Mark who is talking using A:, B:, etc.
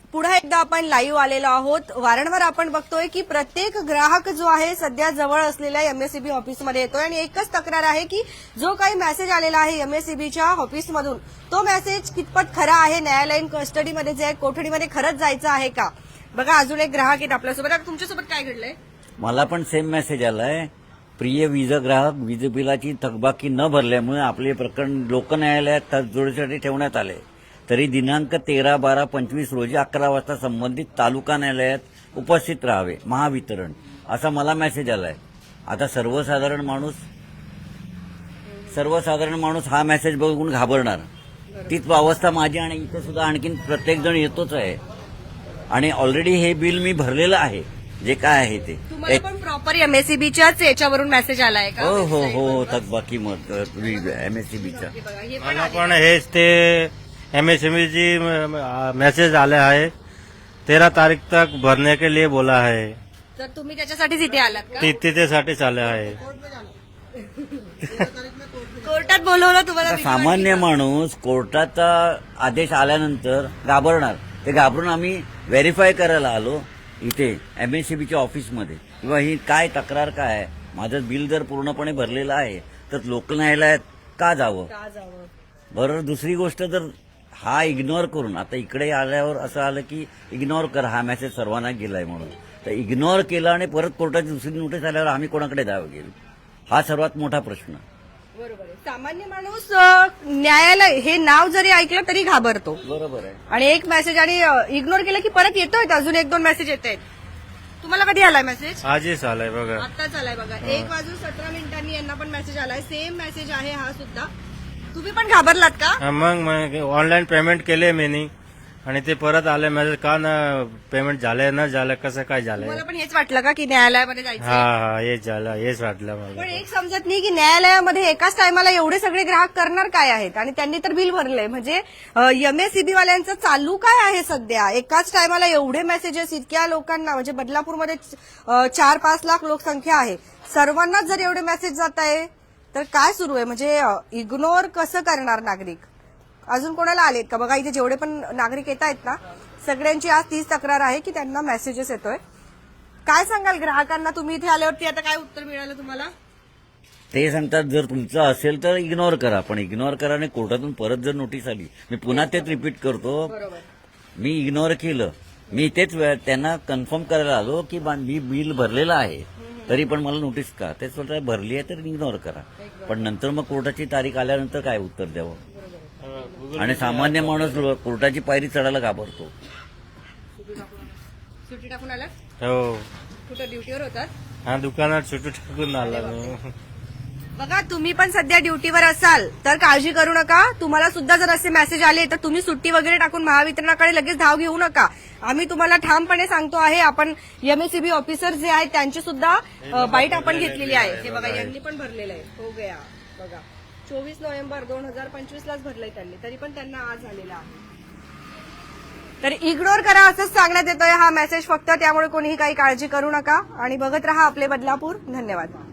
A: पुन्हा एकदा आपण लाईव्ह आलेलो आहोत. वारंवार आपण बघतोय की प्रत्येक ग्राहक जो आहे सध्या जवळ असलेल्या एमएसईबी ऑफिसमध्ये येतोय आणि एकच तक्रार आहे की जो काही मेसेज आलेला आहे एमएसईबीच्या ऑफिसमधून तो मेसेज कितपत खरा आहे, न्यायालयीन कस्टडीमध्ये जे आहे कोठडीमध्ये खरंच जायचं आहे का. बघा अजून एक ग्राहक आहेत आपल्यासोबत. आता तुमच्यासोबत काय घडलंय?
B: मला पण सेम मेसेज आलाय. प्रिय वीज ग्राहक, वीज बिलाची थकबाकी न भरल्यामुळे आपले प्रकरण लोक न्यायालयात तडजोडीसाठी ठेवण्यात आले. तरी दिनांक 13/12/25 रोजी 11 वाजता संबंधित तालुका न्यायालयात उपस्थित राहावे, महावितरण, असा मला मेसेज आलाय. आता सर्वसाधारण माणूस हा मेसेज बघून घाबरणार. तीच अवस्था माझी आणि इथे सुद्धा आणखीन प्रत्येक जण येतोच आहे. आणि ऑलरेडी हे बिल मी भरलेलं आहे, जे काय आहे ते.
A: तुम्हाला पण प्रॉपर एमएसईबीच्याच याच्यावरून मेसेज आलाय का?
B: हो थकबाकी मत एमएससीबीचा.
C: मला पण हेच ते एमएसएमईची मैसेज आले है 13 तारीख तक भरने के लिए बोला है.
A: तर तुम्ही त्याच्यासाठीच इथे आलात का?
C: तिथेसाठीच आले आहे.
A: कोर्टात बोलवलं तुम्हाला?
B: सामान्य माणूस कोर्टाचा आदेश आल्यानंतर घाबरणार. ते घाबरून आम्ही व्हेरीफाय करायला आलो इथे एमएससीबीच्या ऑफिसमध्ये, किंवा ही काय तक्रार काय आहे. माझं बिल जर पूर्णपणे भरलेलं आहे तर लोक न्यायालयात का जावं. बरोबर. दुसरी गोष्ट, जर हा इग्नोर करून, आता इकडे आल्यावर असं आलं की इग्नोर करा, हा मेसेज सर्वांना गेलाय म्हणून, तर इग्नोर केला आणि परत कोर्टाची दुसरी नोटीस आल्यावर आम्ही कोणाकडे जावं गेलो, हा सर्वात मोठा प्रश्न.
A: बरोबर आहे. सामान्य माणूस न्यायालय हे नाव जरी ऐकलं तरी घाबरतो.
B: बरोबर आहे.
A: आणि एक मेसेज आणि इग्नोर केलं की परत येतोय, अजून 1-2 मेसेज येत आहेत. तुम्हाला कधी आलाय मेसेज?
C: आजच आलाय बघा.
A: आत्ताच आलाय बघा. 1:17 यांना पण मेसेज आलाय. सेम मेसेज आहे हा सुद्धा. तुम्ही पण घाबरलात का?
C: मग ऑनलाईन पेमेंट केले मी आणि ते परत आले मेसेज, का ना पेमेंट झालंय न झालं, कसं काय झालंय.
A: मला पण हेच वाटलं का की न्यायालयामध्ये जायचं?
C: हा हेच झालं, हेच वाटलं मला.
A: पण एक समजत नाही की न्यायालयामध्ये एकाच टायमाला एवढे सगळे ग्राहक करणार काय आहेत. आणि त्यांनी तर बिल भरलंय, म्हणजे एमएसईबी वाल्यांचं चालू काय आहे सध्या. एकाच टायमाला एवढे मेसेजेस इतक्या लोकांना, म्हणजे बदलापूरमध्ये 4-5 लाख लोकसंख्या आहे, सर्वांनाच जर एवढे मेसेज जात आहे तर काय सुरू आहे. म्हणजे इग्नोर कसं करणार नागरिक. अजून कोणाला आलेत का बघा. इथे जेवढे पण नागरिक येत आहेत ना, सगळ्यांची आज तीच तक्रार आहे की त्यांना मेसेजेस येतोय. काय सांगाल ग्राहकांना तुम्ही इथे आल्यावरती? आता काय उत्तर मिळालं तुम्हाला?
B: ते सांगतात जर तुमचं असेल तर इग्नोर करा, पण इग्नोर करा आणि कोर्टातून परत जर नोटीस आली, मी पुन्हा तेच रिपीट करतो, मी इग्नोर केलं. मी तेच त्यांना कन्फर्म करायला आलो की मी बिल भरलेलं आहे, तरी पण मला नोटीस का. तेच बोलतात भरली आहे तर इग्नोर करा. पण नंतर मग कोर्टाची तारीख आल्यानंतर काय उत्तर द्यावं. आणि सामान्य माणूस कोर्टाची पायरी चढायला घाबरतो.
A: सुट्टी टाकून आला?
C: हो.
A: कुठं ड्युटीवर होतात?
C: हा, दुकानात सुट्टी टाकून आला मी.
A: बघा तुम्ही पण सध्या ड्युटीवर असाल तर काळजी करू नका. तुम्हाला सुद्धा जर असे मेसेज आले तर तुम्ही सुट्टी वगैरे टाकून महावितरणाकडे लगेच धाव घेऊ नका. आम्ही तुम्हाला ठामपणे सांगतो आहे. आपण एमएसईबी ऑफिसर जे आहेत त्यांची सुद्धा बाईट आपण घेतलेली आहे. हे बघा यांनी पण भरलेलं आहे. हो गया बघा 24 नोव्हेंबर 2025लाच भरलंय त्यांनी, तरी पण त्यांना आज आलेला आहे. तर इग्नोर करा असंच सांगण्यात येतोय हा मेसेज फक्त. त्यामुळे कोणीही काही काळजी करू नका आणि बघत रहा आपले बदलापूर. धन्यवाद.